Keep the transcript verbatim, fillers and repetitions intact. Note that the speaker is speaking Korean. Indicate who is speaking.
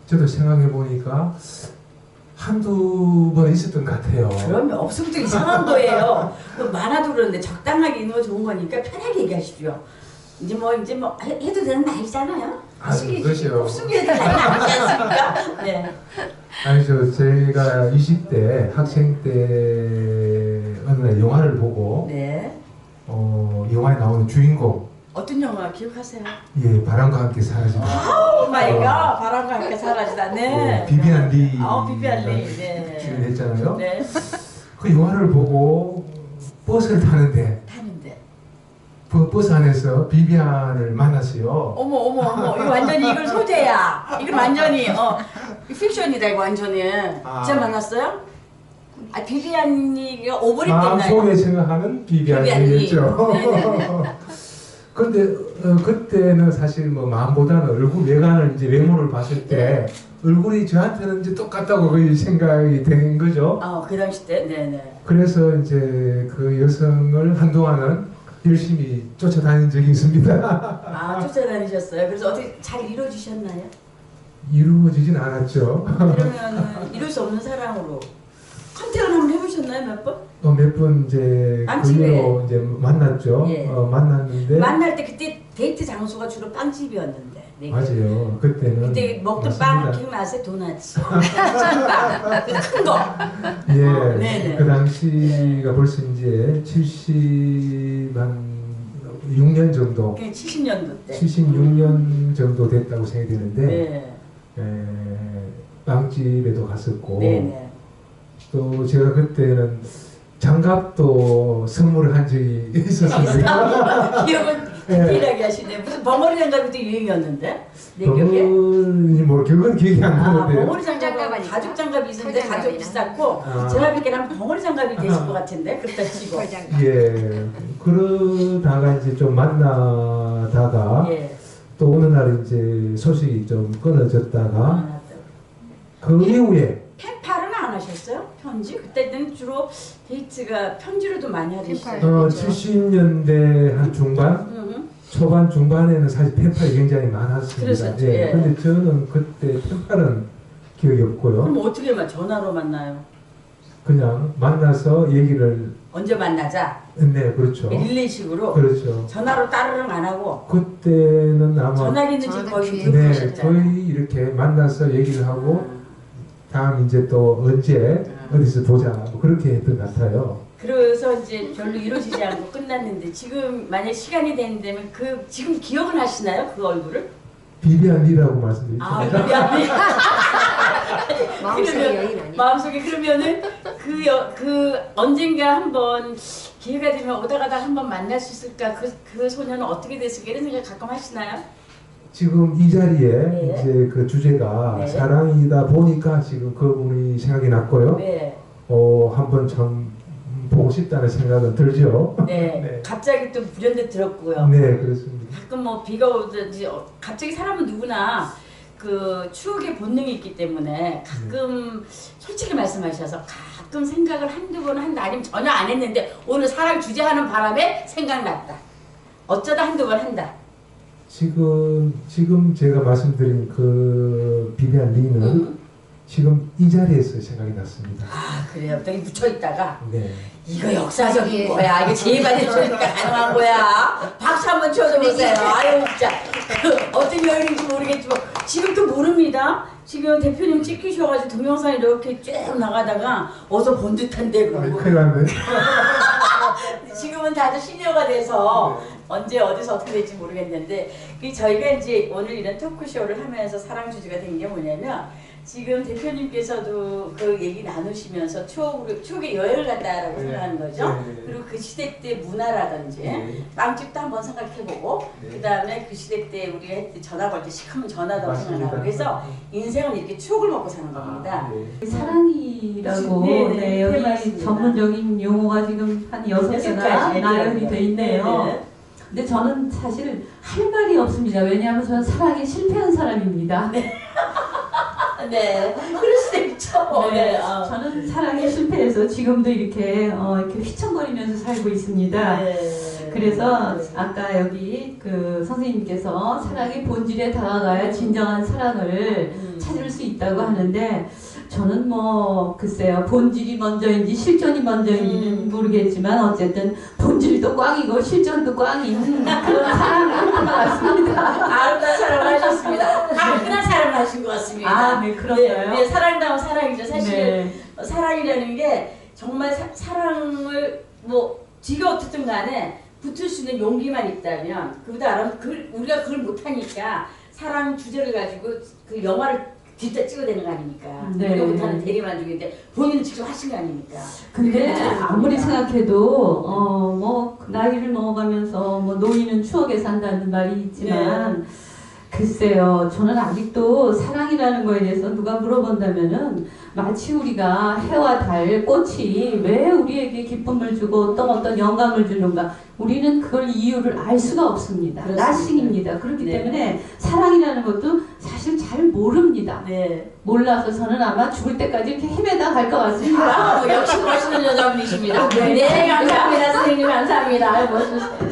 Speaker 1: 저도 생각해 보니까 한두 번 있었던 것 같아요.
Speaker 2: 그러면 없으면 또 이상한 거예요. 그 많아도 그러는데 적당하게 있는 거 좋은 거니까 편하게 얘기하십시오. 이제 뭐 이제 뭐 해, 해도 되는 나이잖아요.
Speaker 1: 아, 그렇죠.
Speaker 2: 곱숙이에 나이 아니지 않습니까? 네.
Speaker 1: 아니죠. 제가 이십 대 학생 때 어느 날 영화를 보고
Speaker 2: 네.
Speaker 1: 어, 영화에 나오는 주인공
Speaker 2: 어떤 영화 기억하세요?
Speaker 1: 예, 바람과 함께 사라진다.
Speaker 2: 오 마이 갓, 바람과 함께 사라지다. 네.
Speaker 1: 예, 비비안 리.
Speaker 2: 아, 비비안 리. 네.
Speaker 1: 주연했잖아요.
Speaker 2: 네.
Speaker 1: 그 영화를 보고 버스를 타는데
Speaker 2: 타는데.
Speaker 1: 그 버스 안에서 비비안을 만났어요.
Speaker 2: 어머 어머 어머, 이거 완전히 이걸 소재야. 이거 완전히 어 픽션이다 이거 완전히.
Speaker 1: 아.
Speaker 2: 진짜 만났어요? 아 비비안이 오버립
Speaker 1: 마음속에
Speaker 2: 됐나요?
Speaker 1: 생각하는 비비안이겠죠. 근데 어, 그때는 사실 뭐 마음보다는 얼굴 외관을 이제 외모를 봤을 때 얼굴이 저한테는 이제 똑같다고 거의 생각이 된 거죠.
Speaker 2: 어, 그 당시 때, 네네.
Speaker 1: 그래서 이제 그 여성을 한동안은 열심히 쫓아다닌 적이 있습니다.
Speaker 2: 아, 쫓아다니셨어요? 그래서 어떻게 잘 이루어지셨나요?
Speaker 1: 이루어지진 않았죠.
Speaker 2: 그러면 이룰 수 없는 사랑으로 컨택을 한번 해보셨나요, 몇 번?
Speaker 1: 어, 몇 번 이제 그 이후로 이제 만났죠.
Speaker 2: 예.
Speaker 1: 어, 만났는데
Speaker 2: 만날 때 그때 데이트 장소가 주로 빵집이었는데. 네.
Speaker 1: 맞아요. 그때는
Speaker 2: 그때 먹던
Speaker 1: 맞습니다.
Speaker 2: 빵 기억나세요? 도넛이. 찐빵. 큰 거.
Speaker 1: 예.
Speaker 2: 어, 네네.
Speaker 1: 그 당시가 벌써 이제 칠십육 년 정도.
Speaker 2: 그게 칠십 년도 때.
Speaker 1: 칠십육 년 정도 됐다고 생각이 되는데
Speaker 2: 네.
Speaker 1: 에, 빵집에도 갔었고
Speaker 2: 네네.
Speaker 1: 또 제가 그때는 장갑도 선물을 한 적이 있었습니다.
Speaker 2: 기억은 디테일하게 하시네. 무슨 벙어리 장갑도 유행이었는데 내 기억에.
Speaker 1: 벙어리 뭐 그건 기억이 안
Speaker 2: 아,
Speaker 1: 나는데요.
Speaker 2: 벙어리 장갑은 가죽 장갑이 있었는데 가죽 비쌌고
Speaker 1: 아.
Speaker 2: 제가 뵙기에는 벙어리 장갑이 되실 것 같은데 그렇다 치고.
Speaker 1: 예. 그러다가 이제 좀 만나다가
Speaker 2: 예.
Speaker 1: 또 어느 날 이제 소식이 좀 끊어졌다가
Speaker 2: 아,
Speaker 1: 그 이후에
Speaker 2: 펜팔은 안 하셨어요? 편지? 그때는 주로 데이트가 편지로도 많이 하셨어요.
Speaker 1: 어,
Speaker 2: 그렇죠?
Speaker 1: 칠십 년대 한 중반?
Speaker 2: 음.
Speaker 1: 초반 중반에는 사실 펜팔이 굉장히 많았습니다.
Speaker 2: 그랬었죠,
Speaker 1: 예.
Speaker 2: 예.
Speaker 1: 근데 저는 그때 펜팔은 기억이 없고요.
Speaker 2: 그럼 어떻게 만 전화로 만나요?
Speaker 1: 그냥 만나서 얘기를
Speaker 2: 언제 만나자?
Speaker 1: 네, 그렇죠.
Speaker 2: 릴레이식으로
Speaker 1: 그렇죠.
Speaker 2: 전화로 따르릉 안 하고
Speaker 1: 그때는 아마
Speaker 2: 전화기는 지금 거의
Speaker 1: 네,
Speaker 2: 들으셨잖아요.
Speaker 1: 거의 이렇게 만나서 얘기를 하고 다음 이제 또 언제 어디서 보자 뭐 그렇게 했던 것 같아요.
Speaker 2: 그래서 이제 별로 이루어지지 않고 끝났는데 지금 만약 시간이 되는다면 그 지금 기억은 하시나요? 그 얼굴을?
Speaker 1: 비비안 리라고 말씀드렸죠.
Speaker 2: 아, 미안해.
Speaker 3: 마음속에
Speaker 2: 그러면-
Speaker 3: 여인 아니야?
Speaker 2: 마음속에 그러면은 그, 여, 그 언젠가 한번 기회가 되면 오다 가다 한번 만날 수 있을까? 그, 그 소녀는 어떻게 됐을까? 이런 생각 가끔 하시나요?
Speaker 1: 지금 이 자리에
Speaker 2: 네.
Speaker 1: 이제 그 주제가
Speaker 2: 네.
Speaker 1: 사랑이다 보니까 지금 그분이 생각이 났고요.
Speaker 2: 네.
Speaker 1: 어, 한번 참 보고 싶다는 생각은 들죠.
Speaker 2: 네.
Speaker 1: 네.
Speaker 2: 갑자기 또 불현듯 들었고요.
Speaker 1: 네, 그렇습니다.
Speaker 2: 가끔 뭐 비가 오든지 어, 갑자기 사람은 누구나 그 추억의 본능이 있기 때문에 가끔 솔직히 말씀하셔서 가끔 생각을 한두 번 한다 아니면 전혀 안 했는데 오늘 사랑 주제하는 바람에 생각났다. 어쩌다 한두 번 한다.
Speaker 1: 지금 지금 제가 말씀드린 그 비비안 리는
Speaker 2: 음.
Speaker 1: 지금 이 자리에서 생각이 났습니다.
Speaker 2: 아 그래요. 여기 묻혀 있다가
Speaker 1: 네.
Speaker 2: 이거 역사적인
Speaker 3: 예.
Speaker 2: 거야. 이게 제이반에 쳐니까 가능한 거야. 박수 한번 쳐줘보세요. 아유 진짜 그 어떤 여인인지 모르겠지만 지금 또 모릅니다. 지금 대표님 찍히셔가지고 동영상이 이렇게 쭉 나가다가 어서 본 듯한데 그러고
Speaker 1: 큰일 났네.
Speaker 2: 지금은 다들 시니어가 돼서 언제 어디서 어떻게 될지 모르겠는데 그 저희가 이제 오늘 이런 토크쇼를 하면서 사랑 주제가 된 게 뭐냐면 지금 대표님께서도 그 얘기 나누시면서 추억으로, 추억의 여행을 갔다라고
Speaker 1: 네.
Speaker 2: 생각하는 거죠.
Speaker 1: 네.
Speaker 2: 그리고 그 시대 때 문화라든지
Speaker 1: 네.
Speaker 2: 빵집도 한번 생각해보고
Speaker 1: 네.
Speaker 2: 그 다음에 그 시대 때 우리가 했던 전화 걸 때 시커먼 전화도
Speaker 1: 맞습니다.
Speaker 2: 생각나고 그래서 인생은 이렇게 추억을 먹고 사는 겁니다.
Speaker 1: 아, 네.
Speaker 4: 사랑이라고
Speaker 2: 네, 네,
Speaker 4: 네,
Speaker 2: 네,
Speaker 4: 여기
Speaker 2: 맞습니다.
Speaker 4: 전문적인 용어가 지금 한 여섯
Speaker 2: 여섯
Speaker 4: 개나
Speaker 2: 가지
Speaker 4: 나열이 돼 있네요.
Speaker 2: 네,
Speaker 4: 근데 저는 사실 할 말이 없습니다. 왜냐하면 저는 사랑에 실패한 사람입니다.
Speaker 2: 네. 네. 그럴 수도 있죠.
Speaker 4: 네,
Speaker 2: 네. 어.
Speaker 4: 저는 사랑에 실패해서 지금도 이렇게 어, 이렇게 휘청거리면서 살고 있습니다.
Speaker 2: 네.
Speaker 4: 그래서 아까 여기 그 선생님께서 사랑의 본질에 다가가야 진정한 사랑을
Speaker 2: 음.
Speaker 4: 찾을 수 있다고 하는데 저는 뭐 글쎄요 본질이 먼저인지 실존이 먼저인지는
Speaker 2: 음.
Speaker 4: 모르겠지만 어쨌든 본질도 꽝이고 실존도 꽝인 그런 사랑을 한 것 같습니다.
Speaker 2: 아름다운 사랑을 하셨습니다. 화끈한 사랑을 하신 것 같습니다.
Speaker 4: 아, 네, 그런가요?
Speaker 2: 네, 네, 사랑다운 사랑이죠. 사실
Speaker 4: 네.
Speaker 2: 사랑이라는 게 정말 사, 사랑을 뭐 뒤가 어떻든 간에 붙을 수 있는 용기만 있다면 그보다 그, 우리가 그걸 못하니까 사랑 주제를 가지고 그 영화를 뒤따 찍어대는 거 아닙니까?
Speaker 4: 네.
Speaker 2: 우리가 못하는 대리만족인데 본인은 직접 하신 거 아닙니까?
Speaker 4: 근데
Speaker 2: 네.
Speaker 4: 아무리 생각해도 어뭐 나이를 먹어가면서 뭐 노인은 추억에 산다는 말이 있지만 글쎄요 저는 아직도 사랑이라는 거에 대해서 누가 물어본다면은 마치 우리가 해와 달 꽃이 왜 우리에게 기쁨을 주고 또 어떤 영감을 주는가 우리는 그걸 이유를 알 수가 없습니다.
Speaker 2: 그렇습니다.
Speaker 4: 나싱입니다. 그렇기
Speaker 2: 네.
Speaker 4: 때문에 사랑이라는 것도 사실 잘 모릅니다.
Speaker 2: 네.
Speaker 4: 몰라서 저는 아마 죽을 때까지 이렇게 헤매다 갈 것 같습니다.
Speaker 2: 아, 역시 멋있는 여자분이십니다. 네, 감사합니다. 선생님 감사합니다. 아유, 멋있으시